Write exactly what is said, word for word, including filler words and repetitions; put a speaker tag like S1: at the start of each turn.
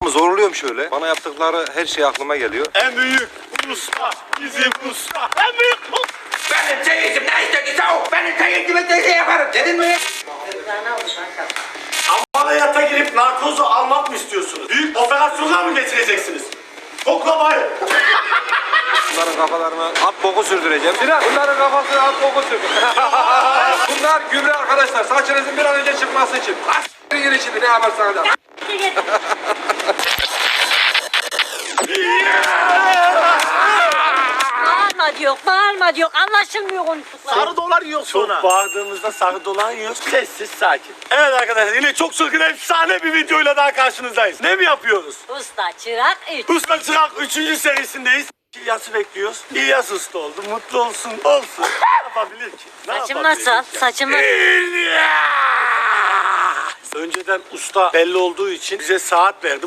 S1: Zorluyorum şöyle. Bana yaptıkları her şey aklıma geliyor.
S2: En büyük usta bizim usta. En büyük usta.
S3: Benim çeyizim ne istedi soğuk? Benim çeyizimi de şey yaparım. Dedin mi?
S2: Ameliyata girip narkozu almak mı istiyorsunuz? Büyük operasyonlar mı geçireceksiniz? Koklamayın.
S1: Bunların kafalarına at boku sürdüreceğim. Sinan bunların kafasına at boku sürdür. Bunlar gübre arkadaşlar. Saçınızın bir an önce çıkması için. As***in gir şimdi ne yaparsanız yap.
S4: Bağırma diyor, bağırma diyor. Anlaşılmıyor konuştukları.
S2: Sarı dolar yiyor sonra. Çok bağırdığımızda sarı dolar yiyoruz. Sessiz sakin. Evet arkadaşlar yine çok çılgın efsane bir videoyla daha karşınızdayız. Ne mi yapıyoruz?
S4: Usta çırak üç.
S2: Usta Çırak üçüncü serisindeyiz. İlyas'ı bekliyoruz. İlyas usta oldu. Mutlu olsun. Olsun. Ne yapabilir ki? Ne
S4: Saçım
S2: yapabilir
S4: nasıl?
S2: ki?
S4: Saçım nasıl?
S2: İlyas! Önceden usta belli olduğu için bize saat verdi.